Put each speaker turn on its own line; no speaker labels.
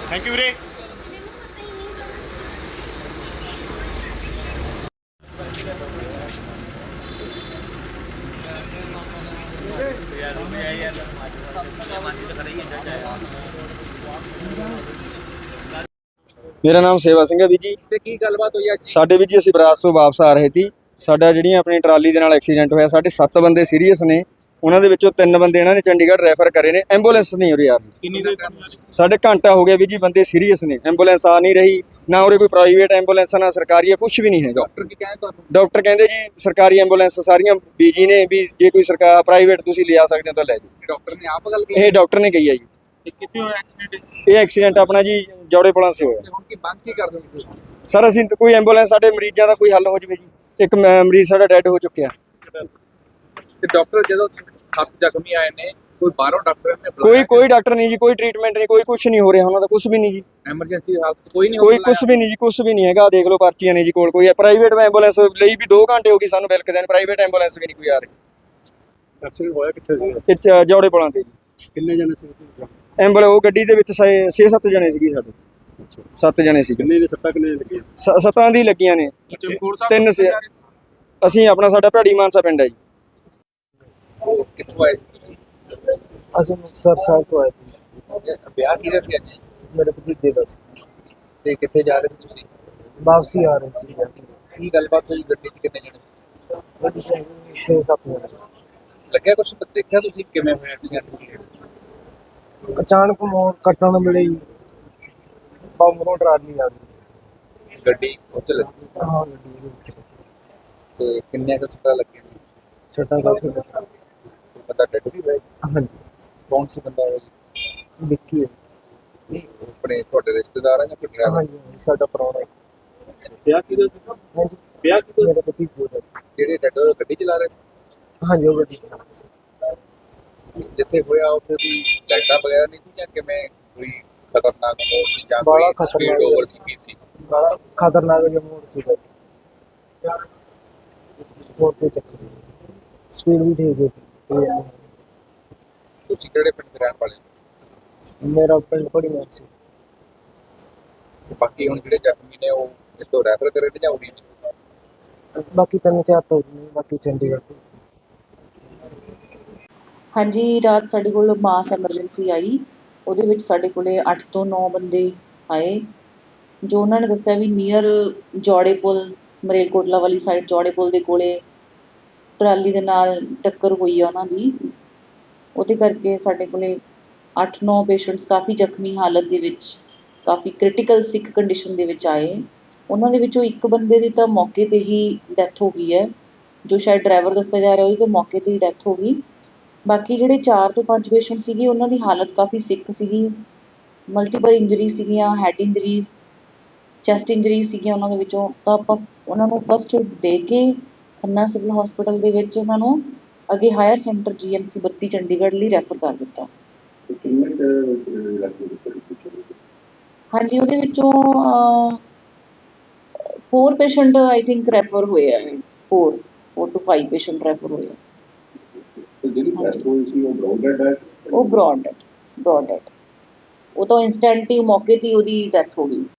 Thank you ਵੀਰੇ।
ਮੇਰਾ ਨਾਮ ਸੇਵਾ ਸਿੰਘ ਹੈ ਵੀਰ ਜੀ।
ਤੇ ਕੀ ਗੱਲਬਾਤ ਹੋਈ ਅੱਜ?
ਸਾਡੇ ਵੀਰ ਜੀ ਅਸੀਂ ਬਰਾਤ ਤੋਂ ਵਾਪਸ ਆ ਰਹੇ ਸੀ। ਸਾਡਾ ਜਿਹੜੀਆਂ ਆਪਣੀ ਟਰਾਲੀ ਦੇ ਨਾਲ ਐਕਸੀਡੈਂਟ ਹੋਇਆ, ਸਾਡੇ 7 ਬੰਦੇ ਸੀਰੀਅਸ ਨੇ, ਉਹਨਾਂ ਦੇ ਵਿੱਚੋਂ 3 ਬੰਦੇ ਇਹਨਾਂ ਨੇ ਚੰਡੀਗੜ੍ਹ ਰੈਫਰ ਕਰੇ ਨੇ। ਐਂਬੂਲੈਂਸ ਨਹੀਂ ਉਰੇ ਆ ਰਹੀ।
ਕਿੰਨੀ ਦੇਰ ਤੱਕ?
ਸਾਡੇ ਘੰਟਾ ਹੋ ਗਿਆ ਵੀਰ ਜੀ, ਬੰਦੇ ਸੀਰੀਅਸ ਨੇ, ਐਂਬੂਲੈਂਸ ਆ ਨਹੀਂ ਰਹੀ। ਨਾ ਉਰੇ ਕੋਈ ਪ੍ਰਾਈਵੇਟ ਐਂਬੂਲੈਂਸ ਨਾ ਸਰਕਾਰੀ ਹੈ, ਕੁਝ ਵੀ ਨਹੀਂ ਹੈਗਾ।
ਡਾਕਟਰ ਕੀ ਕਹਿੰਦੇ ਤੁਹਾਨੂੰ?
ਡਾਕਟਰ ਕਹਿੰਦੇ ਜੀ ਸਰਕਾਰੀ ਐਂਬੂਲੈਂਸ ਸਾਰੀਆਂ ਬੀਜੀ ਨੇ, ਵੀ ਜੇ ਕੋਈ ਸਰਕਾਰ ਪ੍ਰਾਈਵੇਟ ਤੁਸੀਂ ਲਿਆ ਸਕਦੇ ਹੋ ਤਾਂ ਲੈ ਜਾਓ।
ਡਾਕਟਰ ਨੇ ਆਪ ਗੱਲ ਕੀਤੀ?
ਇਹ ਡਾਕਟਰ ਨੇ ਕਹੀ ਹੈ ਜੀ।
ਤੇ ਕਿੱਥੇ ਹੋਇਆ ਐਕਸੀਡੈਂਟ?
ਇਹ ਐਕਸੀਡੈਂਟ ਆਪਣਾ ਜੀ ਜੌੜੇ ਪੁਲਾਂ ਸੇ ਹੋਇਆ।
ਤੇ ਹੁਣ ਕੀ ਬੰਦ ਕੀ ਕਰਦੇ ਹੋ ਤੁਸੀਂ?
ਸਰ ਅਸੀਂ ਕੋਈ ਐਂਬੂਲੈਂਸ ਸਾਡੇ ਮਰੀਜ਼ਾਂ ਦਾ ਕੋਈ ਹੱਲ ਹੋ ਜਵੇ ਜੀ। ਇੱਕ ਮਰੀਜ਼ ਸਾਡਾ ਡੈਡ ਹੋ ਚੁੱਕਿਆ।
ਤੇ ਡਾਕਟਰ ਜਦੋਂ 7 ਜ਼ਖਮੀ ਆਏ ਨੇ, ਕੋਈ ਬਾਹਰੋਂ ਡਾਕਟਰ ਨੇ ਬੁਲਾਇਆ?
ਕੋਈ ਡਾਕਟਰ ਨਹੀਂ ਜੀ, ਕੋਈ ਟ੍ਰੀਟਮੈਂਟ ਨਹੀਂ, ਕੋਈ ਕੁਝ ਨਹੀਂ ਹੋ ਰਿਹਾ ਉਹਨਾਂ ਦਾ, ਕੁਝ ਵੀ ਨਹੀਂ ਜੀ।
ਐਮਰਜੈਂਸੀ ਹਾਲਤ ਕੋਈ ਨਹੀਂ
ਕੋਈ ਕੁਝ ਵੀ ਨਹੀਂ ਜੀ, ਕੁਝ ਵੀ ਨਹੀਂ ਹੈਗਾ। ਦੇਖ ਲਓ ਪਰਚੀਆਂ ਨੇ ਜੀ ਕੋਲ। ਕੋਈ ਪ੍ਰਾਈਵੇਟ ਐਂਬੂਲੈਂਸ ਲਈ ਵੀ 2 ਘੰਟੇ ਹੋ ਗਏ ਸਾਨੂੰ ਬਿਲਕਦੇ ਨੇ, ਪ੍ਰਾਈਵੇਟ ਐਂਬੂਲੈਂਸ ਵੀ ਨਹੀਂ ਕੋਈ ਆ ਰਹੀ।
ਐਕਸੀਡੈਂਟ ਹੋਇਆ ਕਿੱਥੇ ਸੀ?
ਇਹ ਜੌੜੇ ਪੁਲਾਂ ਤੇ ਜੀ।
ਕਿੰਨੇ ਜਣੇ ਸੀ?
ਐਂਬੂਲੈਂਸ ਉਹ ਗੱਡੀ ਦੇ ਵਿੱਚ 6-7 ਜਣੇ ਸੀਗੇ ਸਾਡੇ। 7 ਜਣੇ ਸੀਗੇ।
ਕਿੰਨੇ ਦੇ ਸੱਟਾਂ ਕਿੰਨੇ ਲੱਗੀਆਂ?
7 ਦੀ ਲੱਗੀਆਂ ਨੇ। 3 ਅਸੀਂ ਆਪਣਾ ਸਾਡਾ ਭੈੜੀ ਮਾਨਸਾ ਪਿੰਡ ਹੈ ਜੀ।
ਕਿੱਥੋਂ ਆਏ ਸੀ ਤੁਸੀਂ?
ਅਸੀਂ ਮੁਕਤਸਰ ਸਾਹਿਬ ਤੋਂ ਆਏ ਸੀ।
ਵਿਆਹ ਕਿਹਦਾ ਸੀ ਅੱਜ?
ਮੇਰੇ ਭਤੀਜੇ ਦਾ ਸੀ।
ਤੇ ਕਿੱਥੇ ਜਾ ਰਹੇ ਸੀ ਤੁਸੀਂ?
ਵਾਪਸੀ ਆ ਰਹੇ ਸੀ।
ਕੀ ਗੱਲਬਾਤ ਹੋਈ ਗੱਡੀ 'ਚ? ਕਿੰਨੇ ਜਣੇ?
ਗੱਡੀ ਚ 6-7 ਜਣੇ।
ਲੱਗਿਆ ਕੁਝ? ਦੇਖਿਆ ਤੁਸੀਂ ਕਿਵੇਂ ਹੋਇਆ ਐਕਸੀਡੈਂਟ?
ਅਚਾਨਕ ਮੋੜ ਕੱਟਣ ਵੇਲੇ ਹੀ ਬੰਮਰੋਂ ਟਰਾਲੀ ਆ ਗਈ।
ਗੱਡੀ ਉੱਚ ਲੱਗੀ?
ਹਾਂ, ਗੱਡੀ ਦੇ ਵਿੱਚ
ਤੇ ਕਿੰਨੇ ਕੁ ਸੱਟਾਂ ਲੱਗੀਆਂ?
ਛੱਟਾ ਕਾਫੀ ਲੱਗਾ।
ਬੰਦਾ ਡੈਡ ਵੀ ਹੋਇਆ?
ਹਾਂਜੀ,
ਕੌਣ ਸੀ ਬੰਦਾ ਉਹ ਜੀ?
ਵਿੱਕੀ ਹੈ।
ਨਹੀਂ, ਆਪਣੇ ਤੁਹਾਡੇ ਰਿਸ਼ਤੇਦਾਰ ਆ ਜਾਂ ਕੋਈ ਡਰਾਈਵਰ?
ਹਾਂਜੀ, ਸਾਡਾ ਪ੍ਰਾਹੁਣਾ ਹੈ।
ਵਿਆਹ ਕਿਹਦਾ ਸੀ?
ਹਾਂਜੀ,
ਵਿਆਹ ਕਿਹਦਾ?
ਮੇਰੇ ਭਤੀਜੇ ਦਾ ਸੀ।
ਜਿਹੜੇ ਡੈਡ ਗੱਡੀ ਚਲਾ ਰਹੇ ਸੀ?
ਹਾਂਜੀ, ਉਹ ਗੱਡੀ ਚਲਾ ਰਹੀ ਸੀ।
ਜਿੱਥੇ ਹੋਇਆ ਉੱਥੇ ਦੀ ਲਾਈਟਾਂ ਵਗੈਰਾ ਨਹੀਂ ਸੀ ਜਾਂ ਕਿਵੇਂ? ਕੋਈ ਖਤਰਨਾਕ ਮੋੜ ਸੀ ਜਾਂ
ਬੜਾ
ਕੋਈ ਸਪੀਡ
ਖਤਰਨਾਕ
ਓਵਰ ਸੀ?
ਬੜਾ ਖਤਰਨਾਕ ਜਿਹਾ ਮੋੜ ਸੀਗਾ। ਹੋਰ ਕੋਈ ਚੱਕਰ ਨਹੀਂ, ਸਪੀਡ ਵੀ ਠੀਕ ਹੈ।
ਤੁਸੀਂ ਕਿਹੜੇ ਪਿੰਡ ਦੇ ਰਹਿਣ ਵਾਲੇ ਹੋ?
ਮੇਰਾ ਪਿੰਡ ਬੜੀ ਮਾਰ ਸੀ।
ਤੇ ਬਾਕੀ ਹੁਣ ਜਿਹੜੇ ਜ਼ਖਮੀ ਨੇ ਉਹ ਇੱਥੋਂ ਰੈਫਰ ਕਰੇ ਤੇ ਜਾਂ ਉਰੀ ਨੇ?
ਬਾਕੀ 3-4 ਤੋਂ ਨਹੀਂ, ਬਾਕੀ ਚੰਡੀਗੜ੍ਹ ਤੋਂ।
ਹਾਂਜੀ, ਰਾਤ ਸਾਡੇ ਕੋਲ ਮਾਸ ਐਮਰਜੈਂਸੀ ਆਈ। ਉਹਦੇ ਵਿੱਚ ਸਾਡੇ ਕੋਲੇ 8 ਤੋਂ 9 ਬੰਦੇ ਆਏ, ਜੋ ਉਹਨਾਂ ਨੇ ਦੱਸਿਆ ਵੀ ਨੀਅਰ ਜੌੜੇ ਪੁਲ, ਮਰੇਲਕੋਟਲਾ ਵਾਲੀ ਸਾਈਡ ਜੌੜੇ ਪੁਲ ਦੇ ਕੋਲੇ ਟਰਾਲੀ ਦੇ ਨਾਲ ਟੱਕਰ ਹੋਈ ਆ ਉਹਨਾਂ ਦੀ। ਉਹਦੇ ਕਰਕੇ ਸਾਡੇ ਕੋਲੇ 8-9 ਪੇਸ਼ੈਂਟਸ ਕਾਫੀ ਜ਼ਖਮੀ ਹਾਲਤ ਦੇ ਵਿੱਚ, ਕਾਫੀ ਕ੍ਰਿਟੀਕਲ ਸਿੱਖ ਕੰਡੀਸ਼ਨ ਦੇ ਵਿੱਚ ਆਏ। ਉਹਨਾਂ ਦੇ ਵਿੱਚੋਂ ਇੱਕ ਬੰਦੇ ਦੀ ਤਾਂ ਮੌਕੇ 'ਤੇ ਹੀ ਡੈਥ ਹੋ ਗਈ ਹੈ, ਜੋ ਸ਼ਾਇਦ ਡਰਾਈਵਰ ਦੱਸਿਆ ਜਾ ਰਿਹਾ ਉਹਦੀ ਤਾਂ ਮੌਕੇ 'ਤੇ ਹੀ ਡੈਥ ਹੋ ਗਈ। ਬਾਕੀ ਜਿਹੜੇ 4 ਤੋਂ 5 ਪੇਸ਼ੈਂਟ ਸੀਗੇ ਉਹਨਾਂ ਦੀ ਹਾਲਤ ਕਾਫੀ ਸਿੱਖ ਸੀਗੀ। ਮਲਟੀਪਲ ਇੰਜਰੀ ਸੀਗੀਆਂ, ਹੈਡ ਇੰਜਰੀਜ਼, ਚੈਸਟ ਇੰਜਰੀਜ਼ ਸੀਗੀਆਂ ਉਹਨਾਂ ਦੇ ਵਿੱਚੋਂ। ਤਾਂ ਆਪਾਂ ਉਹਨਾਂ ਨੂੰ ਫਸਟ ਏਡ ਦੇ ਕੇ ਖੰਨਾ ਸਿਵਲ ਹਸਪੀਟਲ ਦੇ ਵਿੱਚ ਉਹਨਾਂ ਨੂੰ ਅੱਗੇ ਹਾਇਰ ਸੈਂਟਰ GMC 32 ਚੰਡੀਗੜ੍ਹ ਲਈ ਰੈਫਰ ਕਰ ਦਿੱਤਾ। ਹਾਂਜੀ, ਉਹਦੇ ਵਿੱਚੋਂ 4 ਪੇਸ਼ੈਂਟ ਆਈ ਥਿੰਕ ਰੈਫਰ ਹੋਏ ਆ। 4 to 5 ਪੇਸ਼ੈਂਟ ਰੈਫਰ ਹੋਏ ਆ। ਉਹ ਬ੍ਰੌਡ ਡੈਡ। ਉਹ ਤਾਂ ਇੰਸਟੈਂਟ ਹੀ ਮੌਕੇ 'ਤੇ ਹੀ ਉਹਦੀ ਡੈਥ ਹੋ ਗਈ।